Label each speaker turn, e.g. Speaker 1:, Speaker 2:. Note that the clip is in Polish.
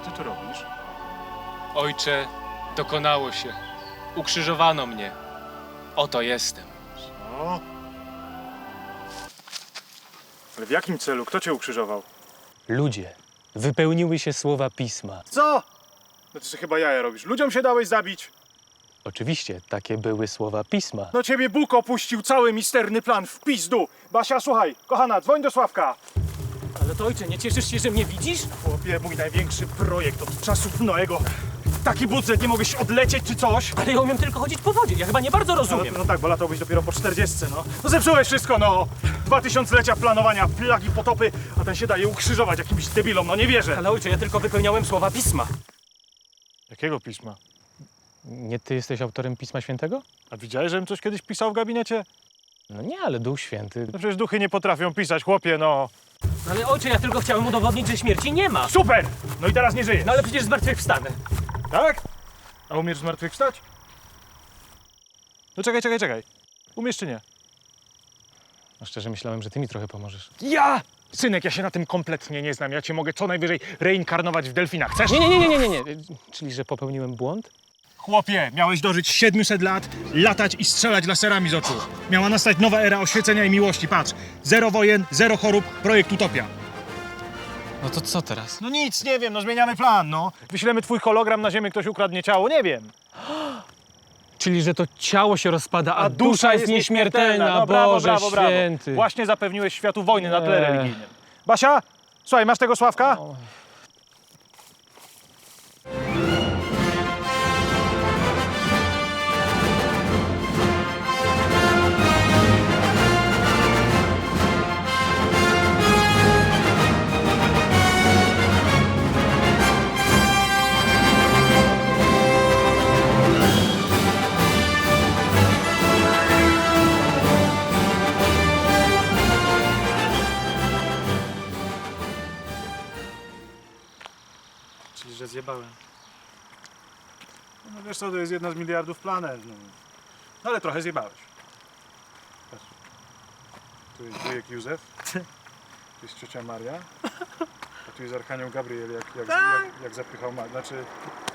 Speaker 1: ty tu robisz?
Speaker 2: Ojcze, dokonało się. Ukrzyżowano mnie. Oto jestem.
Speaker 1: Co? Ale w jakim celu? Kto cię ukrzyżował?
Speaker 3: Ludzie, wypełniły się słowa Pisma.
Speaker 1: Co? No ty sobie chyba jaja robisz. Ludziom się dałeś zabić.
Speaker 3: Oczywiście, takie były słowa Pisma.
Speaker 1: No ciebie Bóg opuścił cały misterny plan w pizdu. Basia, słuchaj, kochana, dzwoń do Sławka.
Speaker 4: Ale to ojcze, nie cieszysz się, że mnie widzisz?
Speaker 1: Chłopie, mój największy projekt od czasów Noego. Taki budżet, nie mogłeś odlecieć czy coś?
Speaker 4: Ale ja umiem tylko chodzić po wodzie, ja chyba nie bardzo rozumiem.
Speaker 1: No tak, bo latałbyś dopiero po 40, no. No zepsułeś wszystko, no. 2000-lecia planowania, plagi, potopy, a ten się daje ukrzyżować jakimś debilom, no nie wierzę.
Speaker 4: Ale ojcze, ja tylko wypełniałem słowa Pisma.
Speaker 1: Jakiego pisma?
Speaker 3: Nie ty jesteś autorem Pisma Świętego?
Speaker 1: A widziałeś, żebym coś kiedyś pisał w gabinecie?
Speaker 3: No nie, ale Duch Święty.
Speaker 1: No przecież duchy nie potrafią pisać, chłopie, no.
Speaker 4: Ale ojcze, ja tylko chciałem udowodnić, że śmierci nie ma.
Speaker 1: Super! No i teraz nie żyje.
Speaker 4: No ale przecież zmartwychwstanę.
Speaker 1: Tak? A umiesz zmartwychwstać? No czekaj. Umiesz czy nie?
Speaker 3: No szczerze myślałem, że ty mi trochę pomożesz.
Speaker 1: Ja! Synek, ja się na tym kompletnie nie znam. Ja cię mogę co najwyżej reinkarnować w delfinach. Chcesz?
Speaker 3: Nie. Czyli, że popełniłem błąd?
Speaker 1: Chłopie, miałeś dożyć 700 lat, latać i strzelać laserami z oczu. Miała nastać nowa era oświecenia i miłości. Patrz, 0 wojen, 0 chorób, projekt Utopia.
Speaker 3: No to co teraz?
Speaker 1: No nic, nie wiem, no zmieniamy plan, no. Wyślemy twój hologram na ziemię, ktoś ukradnie ciało, nie wiem.
Speaker 3: Czyli, że to ciało się rozpada, a,
Speaker 1: dusza
Speaker 3: dusza jest nieśmiertelna.
Speaker 1: No, brawo,
Speaker 3: Boże
Speaker 1: brawo.
Speaker 3: Święty.
Speaker 1: Właśnie zapewniłeś światu wojny na tle religijnym. Basia, słuchaj, masz tego Sławka? Czyli, że zjebałem. No wiesz co, to jest jedna z miliardów planet. No, no ale trochę zjebałeś. Patrz. Tu jest wujek Józef, tu jest ciocia Maria, a tu jest Archanioł Gabriel, jak zapychał Znaczy,